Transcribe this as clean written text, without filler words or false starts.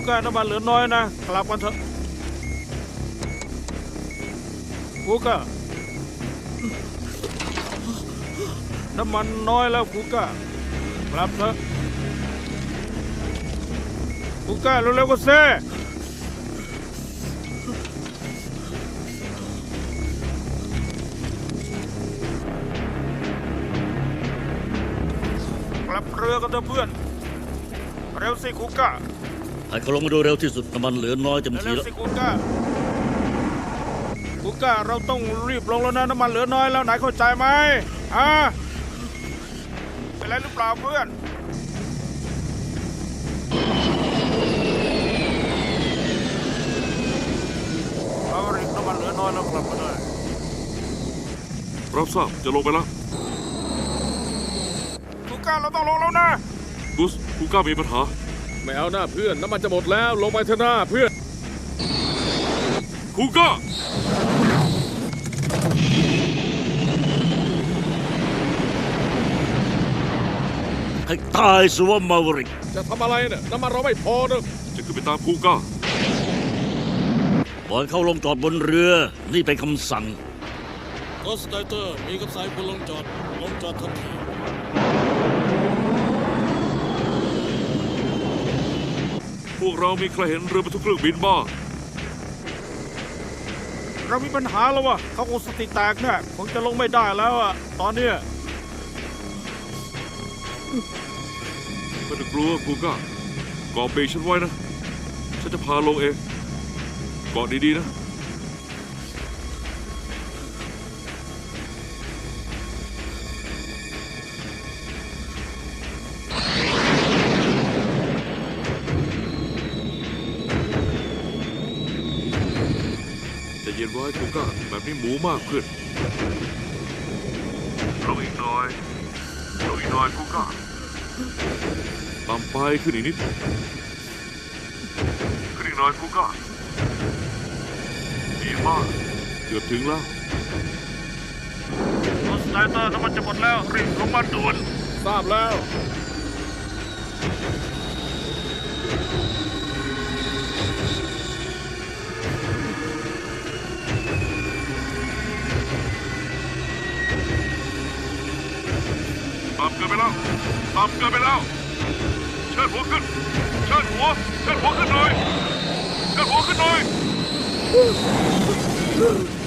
ก้าน้ำมันเหลือน้อยนะกลับกันเถอะฟูก้าน้ำมันน้อยแล้วฟูก้ากลับเถอะฟูก้าเร็วๆก็เซ่กลับเรือกันเถอะเพื่อนเร็วสิฟูก้าให้เขาลงมาดูเร็วที่สุดน้ำมันเหลือน้อยเต็มทีเร็วแล้วสิฟูก้าฟูก้าเราต้องรีบลงแล้วนะน้ำมันเหลือน้อยแล้วไหนเข้าใจไหมเป็นไรหรือเปล่าเพื่อนเอาริกน้ำมันเหลือน้อยแล้วกลับมาได้รับทราบจะลงไปแล้วฟูก้าเราต้องลงแล้วนะกุสคูก้ามีปัญหาไม่เอาหน้าเพื่อนน้ำมันจะหมดแล้วลงไปเถอะหน้าเพื่อนคูก้าให้ตายสิว่ามาวริกจะทำอะไรเนี่ยน้ำมันเราไม่พอเนอะจะขึ้นไปตามคูก้าบอลเข้าลงจอดบนเรือนี่เป็นคำสั่งก็สไตเตอร์มีคำสั่งคุณลงจอดทันทีพวกเรามีใครเห็นเรือบรรทุกเครื่องบินบ้างเรามีปัญหาแล้ววะเขาคงสติแตกเนี่ยคงจะลงไม่ได้แล้วอะตอนเนี้ยไม่ต้องกลัวคูก้าเกาะเบรกฉันไว้นะฉันจะพาลงเองเกาะดีๆนะจะเย็นไว้คูก้าแบบนี้หมูมากขึ้นลงอีกหน่อยคูก้าต่ำไปขึ้นอีกนิดขึ้นอีกหน่อยคูก้าดีมากเกือบถึงแล้วรถสไตเตอร์น้ำมันจะหมดแล้วรีบลงมาด่วนทราบแล้วต่ำเกินไปแล้วเชิดหัวขึ้นหน่อย